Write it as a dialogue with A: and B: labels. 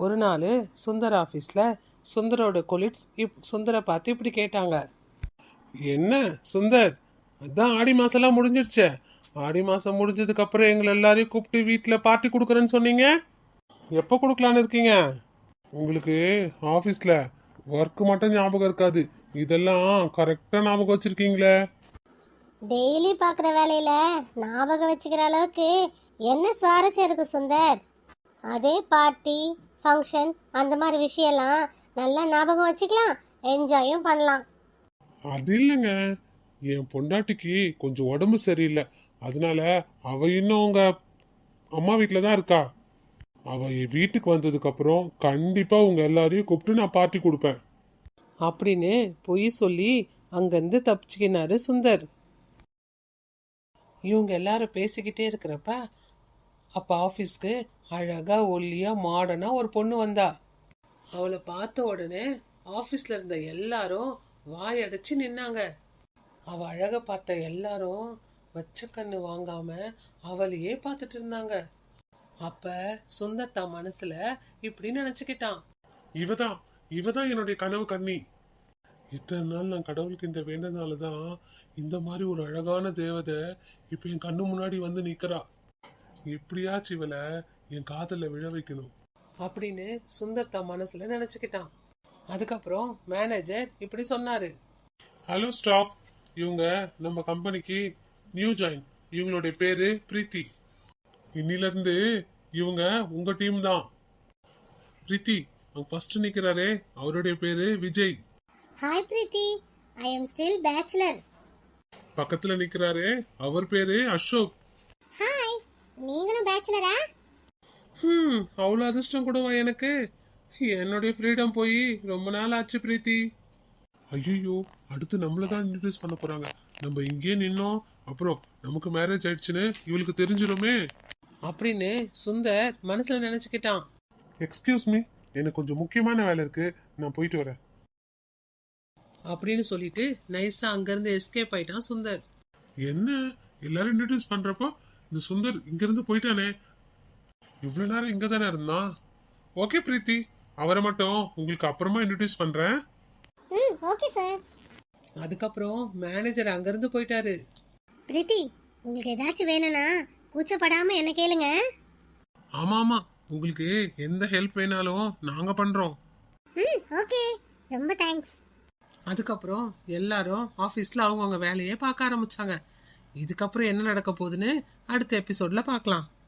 A: ஒரு நாள் சுந்தர் ஆஃபீஸில் சுந்தரோட கொலிட்ஸ் சுந்தரை பார்த்து இப்படி கேட்டாங்க. என்ன சுந்தர், அதான் ஆடி மாசம்லாம் முடிஞ்சிருச்சே, ஆடி மாசம் முடிஞ்சதுக்கு அப்புறம் எங்களை எல்லாரையும் கூப்பிட்டு வீட்டில் பார்ட்டி கொடுக்குறேன்னு சொன்னீங்க. எப்போ கொடுக்கலான்னு இருக்கீங்க? உங்களுக்கு ஆஃபீஸில் ஒர்க்கு மட்டும் ஞாபகம் இருக்காது, இதெல்லாம் கரெக்டாக ஞாபகம் வச்சிருக்கீங்களே.
B: டெய்லி பார்க்குற வேலையில ஞாபகம் வச்சுக்கிற அளவுக்கு என்ன சுவாரஸ்யம் இருக்கு சுந்தர்? அதே பார்ட்டி ஃபங்க்ஷன் அந்த மாதிரி விஷயம்லாம் நல்லா ஞாபகம் வச்சுக்கலாம், என்ஜாயும் பண்ணலாம்.
C: அது இல்லைங்க, என் பொண்டாட்டிக்கு கொஞ்சம் உடம்பு சரியில்லை, அதனால அவ இன்னும் உங்க அம்மா வீட்டில் தான் இருக்கா. அவ என் வீட்டுக்கு வந்ததுக்கு அப்புறம் கண்டிப்பா உங்க எல்லாரையும் கூப்பிட்டு நான் பார்ட்டி கொடுப்பேன்
A: அப்படின்னு பொய் சொல்லி அங்கேருந்து தப்பிச்சுக்கினாரு சுந்தர். இவங்க எல்லாரும் பேசிக்கிட்டே இருக்கிறப்ப அப்போ ஆஃபீஸ்க்கு அழகா ஒல்லியா மாடர்னா ஒரு பொண்ணு வந்தா. அவளை பார்த்த உடனே ஆஃபீஸில் இருந்த எல்லாரும் வாயடைச்சு நின்னாங்க. அவ அழக பார்த்த எல்லாரும் வச்ச கண்ணு வாங்காம அவளையே பார்த்துட்டு இருந்தாங்க. அப்ப சுந்தர் தான் மனசுல இப்படி நினைச்சுக்கிட்டான்,
C: இவதான் என்னுடைய கனவு கண்ணி. இத்தனை நாள் நான் கடவுள்கிட்ட வேண்டதுனாலதான் இந்த மாதிரி ஒரு அழகான தேவதை இப்ப என் கண்ணு முன்னாடி வந்து நிக்கிறா. எப்படியாச்சும் இவளை என் காதல விழ வைக்கணும்
A: அப்படின்னு சுந்தர் தான் மனசுல நினைச்சுக்கிட்டான். அதுக்கப்புறம் மேனேஜர் இப்படி சொன்னாரு.
C: ஹலோ ஸ்டாஃப், இவங்க நம்ம கம்பெனிக்கு நியூ ஜாயின். இவங்களுடைய பேரு பிரீத்தி. இன்னில இருந்து இவங்க உங்க டீம் தான். பிரீத்தி, அவங்க ஃபர்ஸ்ட் நிக்கிறாரே அவருடைய பேரு Vijay.
B: Hi Preethi, I am still bachelor.
C: பக்கத்துல நிக்கிறாரே அவர் பேரு அசோக்.
B: ஹாய், நீங்களும் பேச்சுலரா?
C: அவ்வளவு அதிர்ஷ்டம் கூடவா எனக்கு? என்னுடைய ஃப்ரீடம் போய் ரொம்ப நாள் ஆச்சு பிரீத்தி. ஐயோ, அடுத்து நம்மளதான் இன்ட்ரடியூஸ் பண்ண போறாங்க. நம்ம இங்கே நின்னோம் அப்புறம் நமக்கு மேரேஜ் ஆயிடுச்சுன்னு இவளுக்கு தெரிஞ்சிருமே
A: அப்படின்னு சுந்தர் மனசுல நினைச்சுக்கிட்டான்.
C: எக்ஸ்கியூஸ் மீ, எனக்கு கொஞ்சம் முக்கியமான வேலை இருக்கு, நான் போயிட்டு வரேன்
A: அப்படின்னு சொல்லிட்டு நைஸா அங்கிருந்து எஸ்கேப் ஆயிட்டான் சுந்தர்.
C: என்ன எல்லாரும் இன்ட்ரடியூஸ் பண்றப்போ இந்த சுந்தர் இங்க இருந்து போயிட்டானே, இவ்வளவு நேரம் இங்க தானே இருந்தான். ஓகே பிரீத்தி, அவரை மட்டும் உங்களுக்கு அப்புறமா இன்ட்ரடியூஸ் பண்றேன்.
B: Okay sir.
A: அதுக்கப்புறம் மேனேஜர் அங்கிருந்து போயிட்டாரு.
B: பிரீத்தி, உங்களுக்கு ஏதாச்சும் வேணும்னா கூச்சப்படாம என்ன கேளுங்க.
C: ஆமா, உங்களுக்கு எந்த ஹெல்ப் வேணாலும் நாங்க பண்றோம்.
B: ஓகே, ரொம்ப தேங்க்ஸ்.
A: அதுக்கப்புறம் எல்லாரும் ஆஃபீஸில் அவங்கவுங்க வேலையை பார்க்க ஆரம்பிச்சாங்க. இதுக்கப்புறம் என்ன நடக்க போகுதுன்னு அடுத்த எபிசோட்ல பார்க்கலாம்.